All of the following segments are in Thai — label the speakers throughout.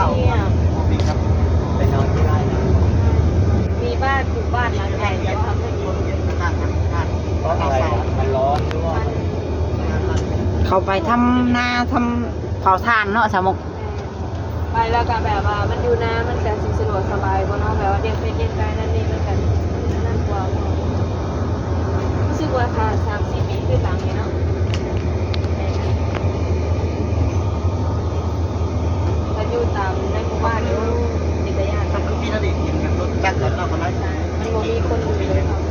Speaker 1: เขา
Speaker 2: มีครับไปนอนที่ไร่นะ
Speaker 1: มีบ้านปลูกบ้านหลังใหญ่จะทำให้ดี
Speaker 2: เพราะอะไรมันร้อนหรือว่า
Speaker 3: เขาไปทำนาทำเผาถ่านเนาะสมุก
Speaker 1: ไปแล้วก็แบบว่ามันอยู่น้ำมันจะสะดวกสบายกว่าเนาะแบบว่าเลี้ยงเป็ดเลี้ยงไก่นั่นนี่มันกันนั่นกว่ารู้สึกว่าค่ะ3-4 ปีขึ้นหลังนี้เนาะถ้าอยู่ตามในหมู่บ้านเดี๋ยวจิตยานมันก็มีระดับอย่างรถจักรเราก็ได้มันบ่มีคนอยู่เลยค่ะ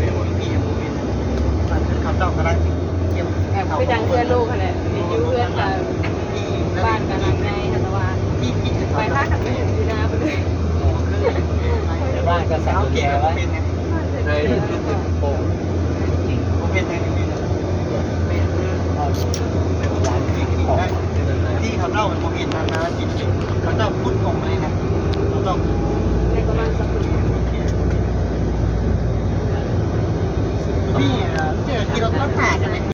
Speaker 2: ขับเจ้าก็ได้เยี่ยม
Speaker 1: แบบคือดังเพื่อนลูกค่ะแหละอยู่เพื่อนกับบ้านกับหลังในแต่ว่าไปท่าขับไม่ถึงอยู่น้ำไปเลย
Speaker 2: ในบ้านก็สั่งแกไว้เลยโอ้ผมเป็นไงนี่เป็นร้านที่กินได้ที่เขาเล่าผมเห็นนานๆกินเขาเจ้าพุทธของเลยนะเขาต้อง
Speaker 1: ในประมาณสัก
Speaker 2: พี่เจอที่เราต้องถ่ายกันเลย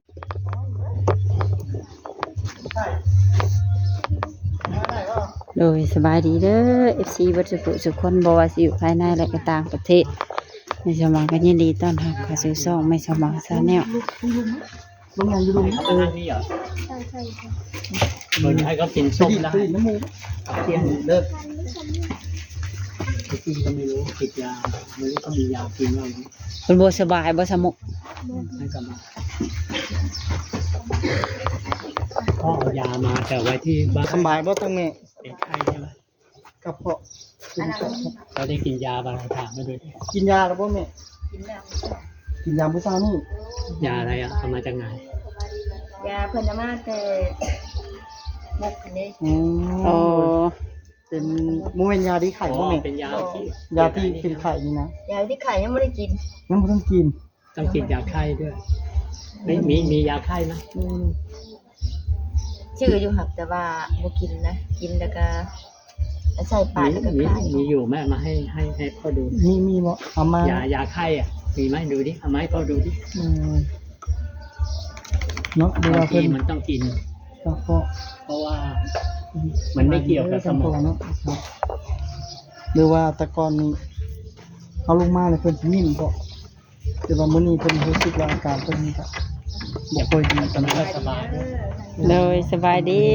Speaker 3: โดยสบายดีเด้อ FC บัดสุขคนบ่ว่าสิอยู่ภายในและก็ต่างประเทศในสมองก็ยินดีต้อนรับเข้าสู่ช่องไม่สมองซาแนล
Speaker 2: ลุงยังอยู่ลุงนี่เหรอ
Speaker 1: ใช่
Speaker 2: เดี๋ยวให้เขากินส้มได้น้ำมูกเที่ยงเลิกที่ก็ไม่รู้ติดยาไม่รู้ก็มียากินอะไร
Speaker 3: เพิ่นบ่สบายบ่สมุก
Speaker 2: ให้กลับมาพ่อเอายามาแต่ไว้ที่บ้านสบายบ่ตั้งแม่เป็นไข้ใช่ไหมกระเพาะเราได้กินยาบางถามมาด้วยกินยาแล้วบ่แม่กินยาผู้ชายนี่ยาอะไรอ่ะเอามาจากไหน
Speaker 1: ยาเพิ่นมาแต่มุกนี่
Speaker 3: อ๋อ
Speaker 2: เป็นมูเป็นยาที่ไข่บ่แม่เป็นยาที่เป็นไข่นี่นะ
Speaker 1: ยาที่ไข่ยังไม่ได้กิน
Speaker 2: ยังไม่ต้องกินต้องกินยาไข้ด้วยไม่มียาไข้ไหม
Speaker 1: ชื่ออยู่หักแต่ว่าบ่กินนะกินแล้วก็ใส่ปากแล้วก็คาย
Speaker 2: มีอยู่แม่มาให้พ่อดูมีบ่เอามายาไข้อ่ะมีไหมดูดิเอามาให้พ่อดูดิเนาะบางทีมันต้องกินเพราะว่ามันไม่เกี่ยวกับสมองหรือว่าตะกอนนี้เอาลงมาเลยเพิ่นสินิ่มก็แต่ว่ามื้อนี้เพิ่นรู้สึกว่าอาการเพิ่นนี่ก็บ่ค่อยดีตอนนี้สบาย
Speaker 3: เลยสบายดี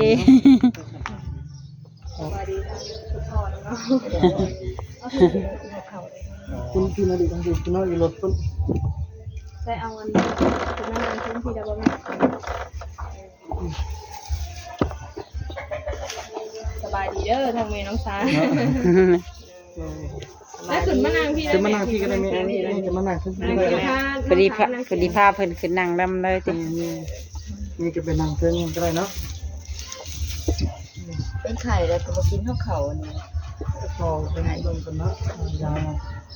Speaker 2: คุณกินอะไรกันอยู่กินอะไรรถต้น
Speaker 1: ใส่เอาเงินคุณนานๆขึ้นทีเดียวบ่แม่สบายดีเด้อทางเมน้องสาแล้วขึ้นมานางพี่ได้
Speaker 2: มานางพี่ก็ได้แม่นี่จะมานางขึ้น
Speaker 3: พอดีพาเพิ่นขึ้นนั่งดำเลยติ
Speaker 2: นี่จะเป็นนางเพิ่นก็ได้เนาะ
Speaker 1: เป็นไข่แล้วก็มากินข้าวเขาอันนี้
Speaker 2: พอเป็นลมกันเนาะยา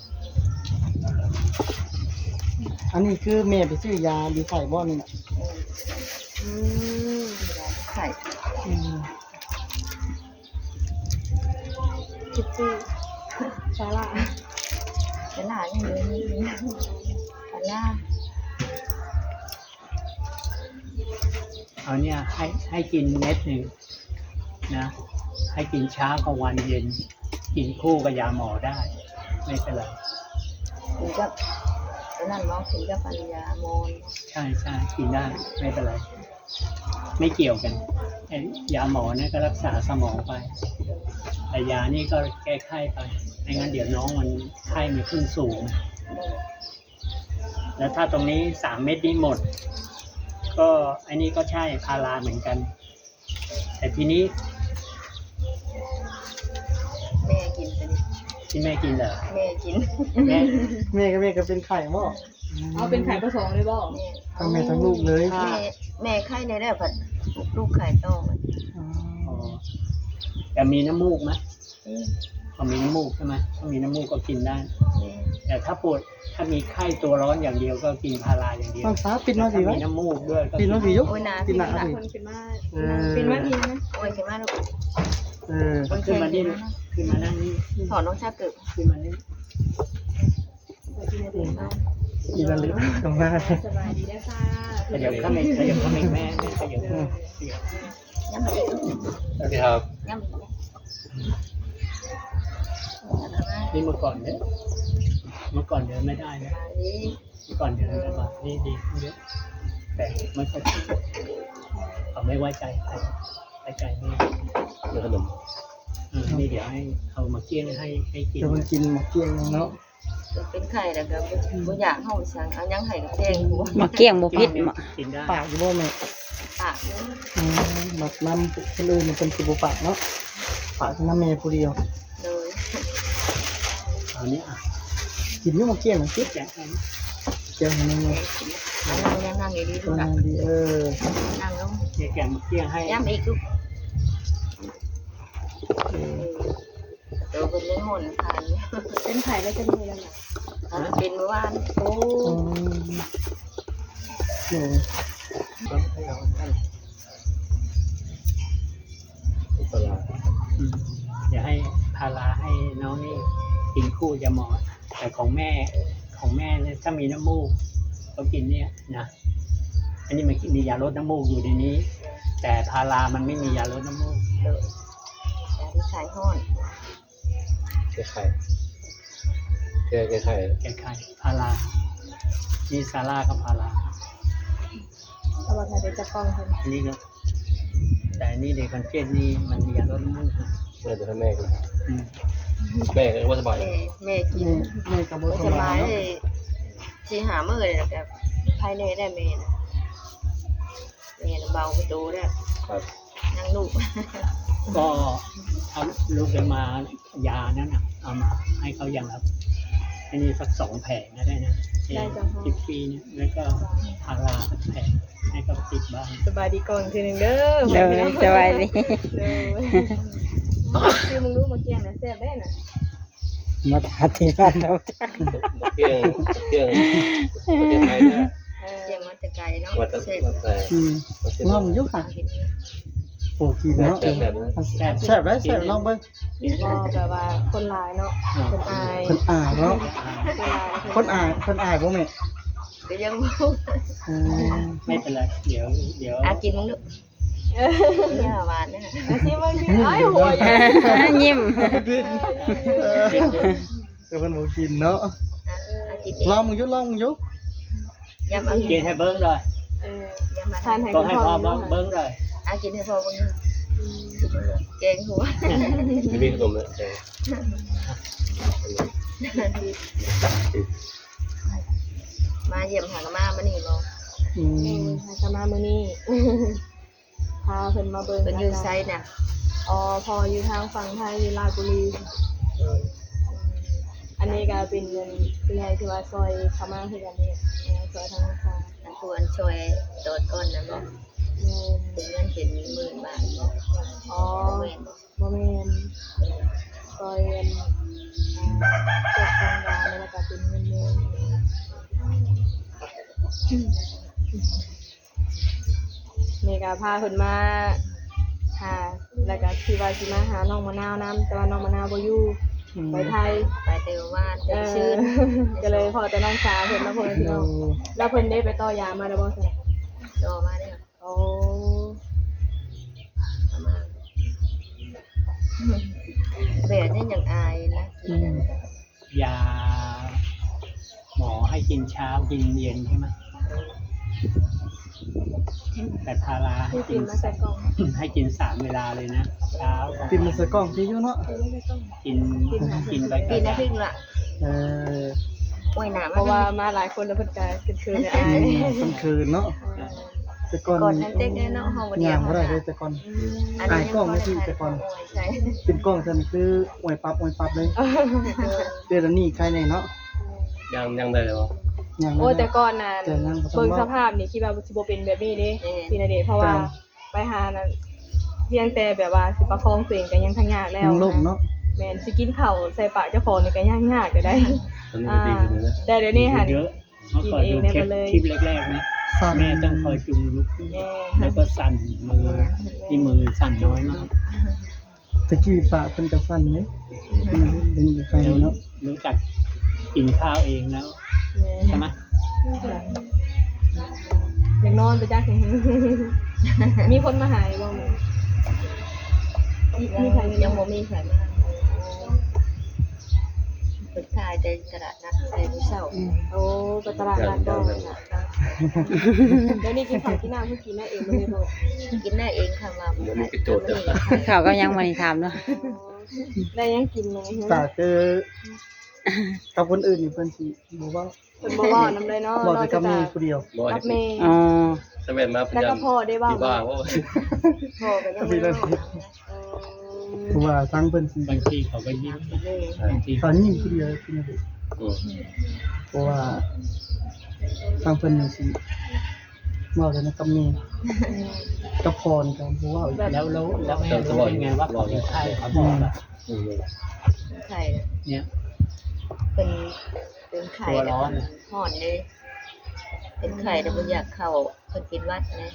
Speaker 2: อันนี้คือแม่ไปซื้อยาดีไข่บ่นี่
Speaker 1: ไข่จิ๊บจี้ซาลาอย่างเดียวนี่ซาลา
Speaker 2: เอาเนี่ยให้กินเม็ดหนึ่งนะให้กินเช้ากับวันเย็นกินคู่กับยาหมอได้ไม่เป็นไร
Speaker 1: ถึงกับนั่นเนาะถึงกับปัญญามอน
Speaker 2: ใช่กินได้ไม่เป็นไรไม่เกี่ยวกันยาหมอเนี่ยก็รักษาสมองไปแต่ยานี่ก็แก้ไข้ไปไม่งั้นเดี๋ยวน้องมันไข้มันขึ้นสูงแล้วถ้าตรงนี้3 เม็ดนี้หมดก็อันนี้ก็ใช่พาราเหมือนกันแต่ทีนี้
Speaker 1: แม่กินเป็น
Speaker 2: ที่แม่กินเหรอ
Speaker 1: แม่กิน
Speaker 2: แม่ก็เป็นไข่บ่
Speaker 1: เอาเป็นไข่ผสมเลยบ่
Speaker 2: ทั้งแม่ทั้งลูกเลย
Speaker 1: แม่ไข่ในได้ผัดลูกไข่โตมัน
Speaker 2: แต่มีน้ำมูกไหมพอมีน้ำมูกใช่ไหมถ้ามีน้ำมูกก็กินได้แต่ถ้าปวดถ้ามีไข้ตัวร้อนอย่างเดียวก็กินพาราอย่างเดียว
Speaker 3: ต้องฟ้าปิดมาสิวะ
Speaker 2: มีน้ำมูกด้วย
Speaker 3: ปิดมาสิยุก
Speaker 1: ปิดหนาคนปิดมาปิดมาทีนะโอ้ยปิดมาลูก
Speaker 2: ขึ้นมานี่ขึ้นมานั่งนี่
Speaker 1: ถอนน้องชาเกิด
Speaker 2: ขึ้นมานี่อีละลึกตรงหน้า
Speaker 1: สบายดีนะคะ
Speaker 2: ขยับเข้ามาแม่ขยับ
Speaker 1: ย้ำมาอีก
Speaker 2: สวัสดีครับ
Speaker 1: ย้ำ
Speaker 4: นี่เมื่อก่อนเนี่ยเมื่อก่อนเดินไม่ได้นะเมื่อก่อนเดินลำบากนี่ดีขึ้นเยอะแต่ไม่ค่อยถูกเขาไม่ไว้ใจใครไว้ใจไม่เรื่องขนมนี่เดี๋ยวให้เอามาเกี้ยงให้กิน
Speaker 2: จะมากินหมกเกี้ยงเนาะ
Speaker 5: เป็นไข่แล้วก็บ่อยากเฮาสั่งเอายังไห้กับแกงหัว
Speaker 3: มาเกี้ยงบ่พิษมา
Speaker 4: กินได้
Speaker 2: ปากอยู่บ่แม่
Speaker 5: ปากนึง
Speaker 2: บักน้ำคนอื่นมันเป็นสิบ่ปากเนาะปากน้ำแม่ผู้เดียว
Speaker 5: เลย
Speaker 4: เอานี้อ่ะ
Speaker 2: กินอยู่หมกเกี้ยงคิด
Speaker 4: แจกให้
Speaker 2: เกี้ยงนี่
Speaker 5: นั่งดีๆ
Speaker 2: ก็
Speaker 5: ดูนะ
Speaker 2: ดี
Speaker 5: นั่งลง
Speaker 4: แกะมาเกี้ยงให้
Speaker 5: ย้ำอีกลูกเดี๋ยวเป็นเรื่องหนทาน
Speaker 1: เป็นไผ่แล้วจะมีแล้วน่ะ
Speaker 5: เป็นเมื่อวาน
Speaker 1: โอ้
Speaker 2: โอ้
Speaker 4: ต้องให้เราให้อย่าให้พาราให้น้องนี่กินคู่ยาหมอแต่ของแม่เนี่ยถ้ามีน้ำมูกก็กินเนี่ยนะอันนี้มันมียาลดน้ำมูกอยู่ในนี้ แต่พารามันไม่มียาลดน้ำมูก
Speaker 5: เลยแต่ที่ขายห้อน
Speaker 4: แก้ไขพารานี่ซาร่ากับพารา
Speaker 1: เอามาถ่ายได้จะป้องเพิ่น
Speaker 4: อันนี้ก็แต่อันนี้เด็กคอนเจนนี่มันมียาลดน้ำมูกนะ
Speaker 6: เมื่อจะให้แม่กัน
Speaker 4: อืม
Speaker 6: แม่ก็ว่าสบาย
Speaker 5: แม่กิน
Speaker 2: แม่กับบ่
Speaker 5: ไม่
Speaker 2: ส
Speaker 5: ส
Speaker 2: บา
Speaker 5: บาย ย
Speaker 2: เนาะ
Speaker 5: เลยสิหามื้อเลยแล้วก็ภายในได้แม่นะแม่เบาประตูได้
Speaker 6: ครับ
Speaker 5: นั่งลูก
Speaker 4: ก็เอาลูกไปมายานั่นน่ะเอามาให้เขาอย่างครับอันนี้สัก2 แผงก็ได้นะ10 ปีเนี่ยแล้วก็พาราสักแผงให้เขาติดบ้าง
Speaker 1: สบายดีก่อนทีนึงเด้อ
Speaker 3: เลยสบายดี
Speaker 1: เด้อคือมึงรู้มาเกี้ยงนะแซ่บได้น่ะ
Speaker 2: มาทานที่บ้านเราจ้ะ
Speaker 6: เกี่ยงประเทศไทยนะ
Speaker 5: เยี่ยมมาแต่ไกลเนาะ
Speaker 6: วัดแต่
Speaker 5: เสร็จ
Speaker 2: งอมอยู่ค่ะโอ้กินเนาะแซ่บได้แซ่บลองเบิ่ง
Speaker 1: ก็แบบว่าคนหลายเนาะคนอาย
Speaker 2: เพิ่นอายเนาะ
Speaker 1: คนหลาย
Speaker 2: คนอายบ่แม่
Speaker 5: ก็ยังบ่
Speaker 4: ไม่เป็นไรเดี๋ยว
Speaker 5: กินมึงลูกเนี่ยหวานนะ
Speaker 1: อาชีพบางทีไอ้ยหัวใหญ่
Speaker 3: ยิ้ม
Speaker 2: แต่เพิ่นบ่กินเนาะ
Speaker 5: กิน
Speaker 2: ลองมึงอยู่ลองมึงอยู่
Speaker 5: ยำเอา
Speaker 4: กินให้เบิ้งเลย
Speaker 5: ยำมา
Speaker 1: ทานให้
Speaker 4: ก็
Speaker 1: คุณ
Speaker 4: ให้
Speaker 1: พ่อ
Speaker 4: พ่อเบิ้งเลย
Speaker 5: กินให้พอมึงแกงหัว
Speaker 6: ไม่มีขนมเลย
Speaker 5: มาเยี่ยมหากมามานี่บ่
Speaker 1: จะมามื้อนี้พาเพิ่นมาเบิ่ง
Speaker 5: เป็นอยู่ไซน่ะ
Speaker 1: อ๋อพออยู่ทางฝั่งไทยอยู่ราชบุรีอันนี้ก็เป็นเงินเป็นไงที่ว่าซอยเข้ามาคือกันนี่ซอยทางฟ้า
Speaker 5: อันควรช่วยโดดก้นนะบ่เป็นเงินเป็น10,000 บาท
Speaker 1: อ๋อบ่แม่นซอยเงินตกทางดาวแล้วก็เป็นเงินนี่ก็พาเพิ่นมาหาแล้วก็ที่ว่าสิมาหาน้องมะนาวนํแต่ว่าน้องมะนาวบ่อยู่ไปไทย
Speaker 5: ไปเตวว่านเตวชื่น
Speaker 1: ก็เลยพอแต่น้องสาวเพิ่นมาเพิ่นพี่น้องแล้วเพิ่นได้ไปต่อยามาแล้วบ่ซั่น
Speaker 5: โตมาเด้อ
Speaker 1: โอ้
Speaker 5: มาแบบนี้ยังอายนะ
Speaker 4: ยาหมอให้กินเช้ากินเย็นใช่ไหมแต่พาราให้
Speaker 1: ที่
Speaker 4: กิ
Speaker 1: กิ
Speaker 4: น
Speaker 1: นมาใส่กล่อง
Speaker 4: ให้กิน3 เวลาเลยนะเช้า
Speaker 2: กินมาใส่กล่องที่อยู่เนาะ
Speaker 4: กินไป
Speaker 5: ปีนะพึ่งละ
Speaker 2: เออ
Speaker 5: โอ้ยหนา
Speaker 1: เพราะว่ามาหลายคนแล้วเพิ่นก็คืนๆอาย
Speaker 2: กลางคืนเนาะแต่ก่อน
Speaker 5: ก่อนนั้นเต็กเนาะเฮาบ่
Speaker 2: ย่างบ่ได้เลยแต่ก่อน อายกล้องไม่ที่แต่ก่อน
Speaker 5: ใช่
Speaker 2: เป็นกล้องซั่นคืออวยปั๊บเลยเดี๋ยวนี้ใครแน่เนาะ
Speaker 6: ยังได้เลยวะ
Speaker 2: ย่าง
Speaker 1: โอ้แต่ก่อนน่ะ
Speaker 2: แต่นั่งบ่ต้อง
Speaker 1: เบิ่ง
Speaker 2: เว้า
Speaker 1: สภาพนี่คิดว่าสิบ่เป็นแบบนี้เด้พี่ณเดชน์เพราะว่าไปหานั้นเพียงแต่แบบว่าสิประคองตัวเองก็ยังทั้งยากแล้ว
Speaker 2: ยังล่มเนาะ
Speaker 1: แม่นสิกินข้าวใส่ปากเจ้าของนี่ก็ยากก็ได้
Speaker 6: ตอนนี้ดีขึ้นนะ
Speaker 1: แต่เดี๋ยวนี้หัน
Speaker 4: เยอะเมื่อก่อนดูคลิปแรกๆนะ
Speaker 2: สั่น
Speaker 4: แม่ต้องคอยจุงลุกขึ้น
Speaker 1: แม่
Speaker 4: แล้วก็สั่นมือที่มือสั่นน้อยมาก
Speaker 2: ตะกี้ปากเพิ่นก็สั่นนี่เป็นใครเนาะ
Speaker 4: รู้จักกินข้าวเองแล้ว
Speaker 1: แม่
Speaker 4: ใช่ไหม
Speaker 1: อยากนอนไปจัก มีคนมาหาอยู่บ่แม่
Speaker 5: ยังบ่มีไผมาเปิดขายในตลาดนัดในมื้อเช้า
Speaker 1: โอ้ไปตลาดนัดดองเดี๋ยวนี้กินข้าวกินน้ำเพิ่งกินได้เองบ่ได้บ่
Speaker 5: กินได้เองค่ะว่า
Speaker 6: มันมีกระโจด
Speaker 3: เขาก็ยังมาถามเนาะ
Speaker 1: ได้ยังกินไหม
Speaker 2: แต่คือกับคนอื่นนี่เพิ่นสิบ่ว่า
Speaker 1: เพิ่นบ่เว้านำเลยเนาะ
Speaker 2: บอกแต่กับมีผู้เดียว
Speaker 6: บ่
Speaker 1: กับแม่
Speaker 3: อ๋อ
Speaker 6: สมัยมาพ
Speaker 1: แล้ว
Speaker 6: ยายา
Speaker 1: ก็
Speaker 6: ม
Speaker 1: พ่อได้เว้า
Speaker 6: ที่บ้านว่า
Speaker 1: พ่อก็ยัง
Speaker 2: มี
Speaker 1: ไม่
Speaker 2: แต่
Speaker 1: เว้า
Speaker 2: เพราะว่าทั้งเพิ่นสิ
Speaker 4: บางทีเขาก็ยิ้มบางที
Speaker 2: ตอนนี้ผู้เดียวคือบ่ เพราะว่าทางเพิ่นนี่สิเว้าได้นะกับมีกับพรกันบ่เว้าอีก
Speaker 4: แล้วแม่รู้เป็นไงว่าเขาเป็นไข้เขาบอกแบบ
Speaker 5: ไข่
Speaker 4: เนี่ย
Speaker 5: เป็นไข่
Speaker 4: ตัวร้อน
Speaker 5: ห่อนเลยเป็นไข่แต่บ่อยากเข้าเพิ่นกินวัดนะ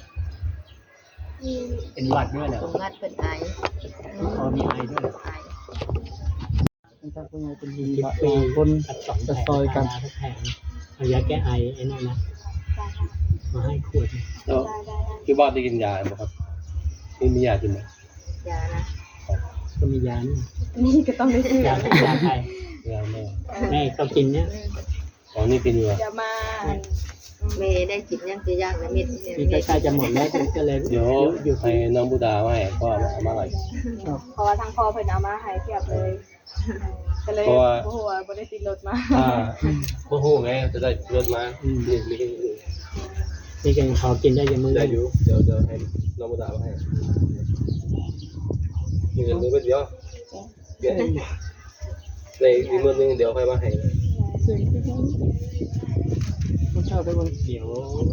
Speaker 4: เป็นหวัดด้วยเหรอ
Speaker 5: ตรงวัดเพิ่นไอ
Speaker 4: เขามีไอด้วยเหรอ
Speaker 5: ไอ
Speaker 2: เป็นทางผู้ใหญ่เป็นดี
Speaker 4: 10
Speaker 2: ว่า
Speaker 4: ปี
Speaker 2: คน
Speaker 4: ตัด2
Speaker 2: จะซอยกัน
Speaker 4: ทุกแผงเอายาแก้ไอไอ้นั่นนะมาให้ขวด
Speaker 6: แล้วที่บ้านได้กินยาไหมครับมียากินไหม
Speaker 5: ยานะ
Speaker 4: ก็มียานี่
Speaker 1: นี่ก็ต้องได้ซื้อย
Speaker 4: าไทย
Speaker 6: ยาแม่
Speaker 4: แม่ก็กินเนี่ย
Speaker 6: อ๋อนี่เป็นยา
Speaker 1: จะมา
Speaker 5: เมย์ได้กินยังจะยากนะเม็ด
Speaker 4: มีใกล้ๆจะหมดแล้วก็เลย
Speaker 6: เดี๋ยว
Speaker 4: อยู่
Speaker 6: ให้น้องบูดามาให้พ่อเอามาหน่อย
Speaker 1: เพราะว่าทางพ่อเพิ่นเอามาให้เทียบเลยก็เลย
Speaker 6: เพราะว่า
Speaker 1: โอ้โหบ่ได้ติดรถมา
Speaker 6: โอ้โหไงจะได้รถมานี่มี
Speaker 4: นี่กันพอกินได้ยังมือ
Speaker 6: ได้อยู่เดี๋ยวให้น้องบูดามาให้มีเงินมือเดียวในอีกมือนึงเดี๋ยวให้มาให้
Speaker 2: ผู้เจ้าได้บ่
Speaker 4: เดี๋ยว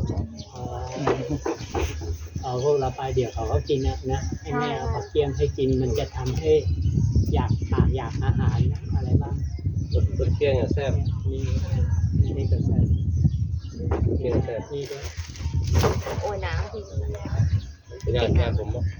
Speaker 4: เอาพวกเราไปเดี๋ยวเขาก็กินนะให้แม่เอาผักเคี่ยงให้กินมันจะทำให้อยากอาหารอะไรบ้าง
Speaker 6: รถเที่ยงอ่ะแซ่บ
Speaker 4: นี่ก็แซ่บ
Speaker 6: เที่ยงแซ่บ
Speaker 4: นี่ก็
Speaker 5: โอ้ยน้ำที่
Speaker 6: เป็นอย่างแซ่บผมบอก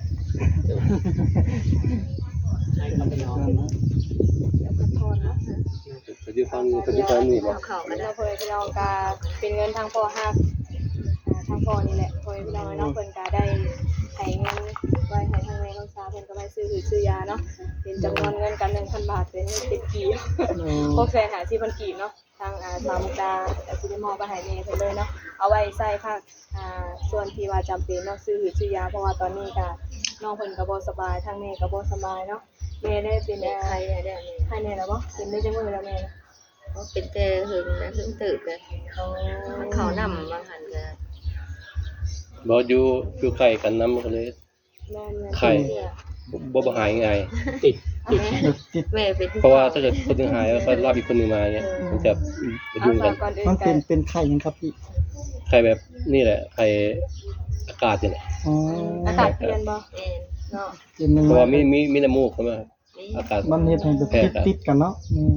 Speaker 4: ให้เขาไปนอน
Speaker 1: แล้วก็ทอนเนาะ
Speaker 6: ปัจจุบันนี่บอก
Speaker 5: เอาเข่ามา
Speaker 1: แล้
Speaker 5: ได้
Speaker 1: วเพิ่นพี่น้องก็เป็นเงินทางพ่อฮักทางพ่อนี่แหละเพิ่นพี่น้องเนาะเพิ่นก็ได้ให้เงินไว้ให้ทางแม่น้องสาวเพิ่นก็ไปซื้อยาเนาะเป็นจำนวนเงินกัน 1,000 บาทเป็นกีบ650,000 กีบเนาะทางสาวมุกดาแต่สิได้มอบไปให้แม่เพิ่นเลยเนาะเอาไว้ใส่ภาคส่วนที่ว่าจำเป็นเนาะซื้อยาเพราะว่าตอนนี้ก็น้องเพิ่นก็บ่สบายทางแม่ก็บ่สบายเนาะแม่ได้เป็น
Speaker 5: ไข่ได้ได้
Speaker 1: ไข้แน่แล้วบ่เป็นได้จังมื้อแล้วแม่นะ
Speaker 5: เป็นแต่หึงนะหึงตื่นกันมันเขานำมาหันกัน
Speaker 6: บอกอยู่ไข่กันน้ำกันเลย
Speaker 1: แม่น
Speaker 6: ไข่บ่หายง่าย
Speaker 4: ติด
Speaker 5: แม่เป็น
Speaker 6: เพราะว่าถ้าเกิดคนนึงหายแล้วก็รับอีกคนนึงมาเงี้ยมันจะยุ่งกัน
Speaker 1: ก่อนอื่น
Speaker 2: มัน
Speaker 1: กั
Speaker 2: เป็นไข่หยังครับพี่
Speaker 6: ไข่แบบนี่แหละไข่อากาศนี่แหละ
Speaker 2: อ๋อ
Speaker 1: อากาศเปลี่ยนบ่
Speaker 5: แม่
Speaker 1: เนาะ
Speaker 2: เป็นนึง
Speaker 6: เพราะว่ามีน้ำมูกใช่ไหมอากาศ
Speaker 2: มันเฮ็ดให้แบบติดกันเนาะ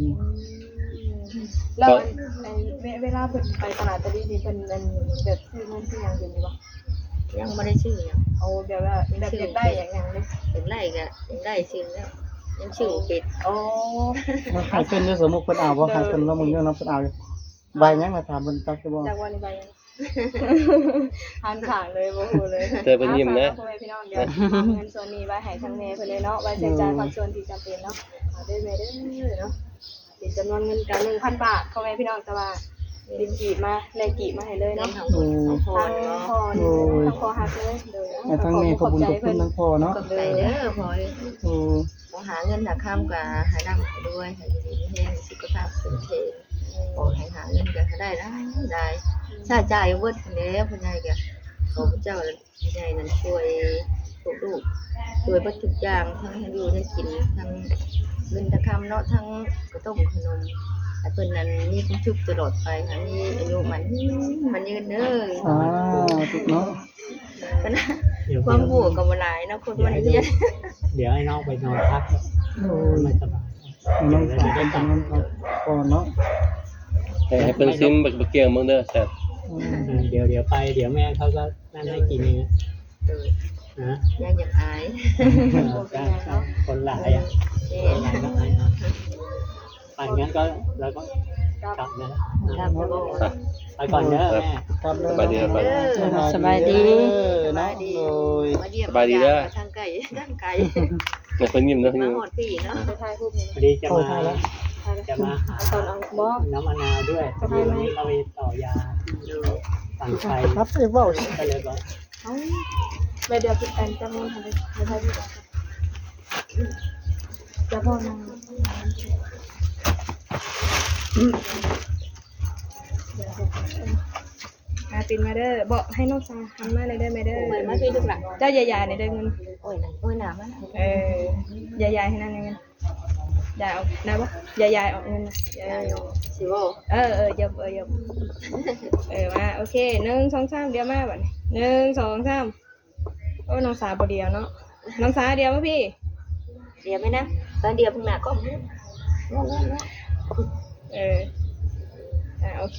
Speaker 1: แล้วเวลาเพิ่นไปตลาดตะลีนี่เพิ่นแบบซื้อเงินซื้อหยังอยู่บ่
Speaker 5: ยังไม่ได้ชื่อยัง
Speaker 1: เอาแบบว่าแบบอยากได้อย่างหยังเลย
Speaker 5: ยังไล่กันยังไล่ชื่อแล้วยังชื่อเป็ด
Speaker 1: โอ้
Speaker 2: มันขายเป็นสมมุติเพิ่นเอาบ่ขายเป็นแล้วมึงเนาะเพิ่นเอาใบยังมาถามเพิ่นจักสิบ่
Speaker 1: จากวันนี้ไปหันข้างเลยบ่ฮู้เลย
Speaker 6: เจอเป็นยิ้มนะ
Speaker 1: พ่อแม่พี่น้องเดี๋ยวเอาเงินส่วนนี้ไว้ให้ทางแม่เพิ่นเลยเนาะไว้ใช้จ่ายความส่วนที่จำเป็นเนาะเอาได้แม่เด้อเนาะเป็นจำนวนเงินกัน 1,000 บาทพ่อแม่พี่น้องแต่ว่าเป็นกีบมาแลกกีบมาให้เลย
Speaker 5: เล่น
Speaker 1: เนาะ
Speaker 5: ทางคนของพ่อ
Speaker 1: ทาง
Speaker 5: เนาะ
Speaker 1: พ่อนี่ทางพ่อฮักเลยเด้อ
Speaker 2: ให้ทั้งแม่ขอบคุณขอบคุณทั้งพ่อเนาะ
Speaker 5: ขอบใจเด้อพ่อ
Speaker 2: โอ้
Speaker 5: บ่หาเงินหาค่ำกับหาดำให้ด้วยให้ดีๆแห้งสุขภาพเป็นเทงขอให้หาเงินก็ได้ใช้จ่ายเบิดแล้วพ่อใหญ่ก็ขอพระเจ้าใหญ่นั้นช่วยพวกลูกช่วยเบิดทุกอย่างทั้งให้อยู่ให้กินทั้งเงินตะคำเนาะทั้งกระต้มขนมให้เพิ่นนั้นมีความสุขตลอดไปค่ะมีอายุมันยืนเด้อ
Speaker 2: ถูกเนาะ
Speaker 5: ความบวกกับหลายเนาะคนมันเรียน
Speaker 4: เดี๋ยวให้น้องไปนอนพัก
Speaker 2: โอ้
Speaker 4: ไม่สบาย
Speaker 2: น้องสาวเป็นคนนั้นก่อนเนาะ
Speaker 6: ให้เป็นซิมบักเกียงมึงเด้อแซ่บ
Speaker 4: เดี๋ยวไปเดี๋ยวแม่เขาก็นั่นให้กินเองนะ
Speaker 5: ยังอยากอาย
Speaker 4: คนหลายอ่ะคนหลายก็อายนะปั่นงั้นก็แล้วก็กลับนะ
Speaker 5: ครับบ่
Speaker 4: ไปก่อนเด้อแม่
Speaker 2: ครับเด้อ
Speaker 6: สบายดีครับ
Speaker 3: สบายดี
Speaker 2: เนาะโดย
Speaker 5: มาเยี่ยมทางไก่
Speaker 6: เนี่ยคนยิ้มเนาะ
Speaker 5: มาหอดปีเนาะ
Speaker 1: ไปถ่ายรูปนี่
Speaker 4: พอดีจะ
Speaker 2: โอ้
Speaker 4: มา
Speaker 2: ถ่ายแล้ว
Speaker 1: ถ่ายแล้ว
Speaker 4: จะมาหา
Speaker 1: ตอนเอาบ่
Speaker 4: น้ำมะนาวด้วยพอดีวันนี้เราไปต่อยาที่ฝั่งไทย
Speaker 2: ครับไอ้เว้า
Speaker 4: ก็เลยว่า
Speaker 1: เอ้าไปเดี๋ยวพี่แอนจำนวนทันเลยไปถ่ายรูปจะพ่อนางปินมาเด้อบอกให้น้องซาทำมาเลยได้ไหมเด้อ
Speaker 5: เหมือนมาพี่ลูกหลาน
Speaker 1: เจ้าใหญ่ๆเนี่ยได้เงิน
Speaker 5: โอ้ยหนามัน
Speaker 1: ใหญ่ๆให้นั่นเงินยายเอาได้ปะยายออกเงินนะยายออก
Speaker 5: สิบ่
Speaker 1: ยบมาโอเค1 2 3เดี๋ยวมาบัดนี้1 2 3โอ้น้องสาบ่เดียวเนาะน้องสาเดียวป่ะพี่
Speaker 5: เดี๋ยวไหมนะตอนเดียวพึ่งหน้าก็
Speaker 1: โอเค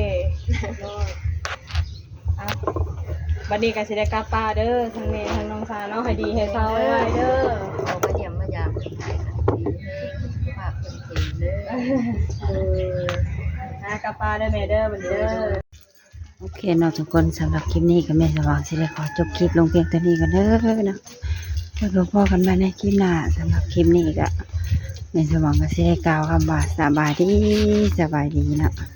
Speaker 1: บัดนี้ก็สิได้กลับป่าเด้อทั้งแม่ทั้งน้องสาเนาะให้ดีให้เศร้าไว้เด้อ
Speaker 5: เอามาเยี่ยมมายามคนไทยค่ะดีภาพเป็นเพลงเด้อก
Speaker 1: ลับป่าเด้อแม่เด้อบัดนี้เด้อ
Speaker 3: โอเคเนาะทุกคนสำหรับคลิปนี้ก็แม่สว่างสิได้ขอจบคลิปลงเพียงเท่านี้กันเด้อเนาะแล้วก็พอกันใหม่ในคลิปหน้าสำหรับคลิปนี้ก็แม่สว่างก็สิได้กล่าวคำว่าสบายดีเนาะ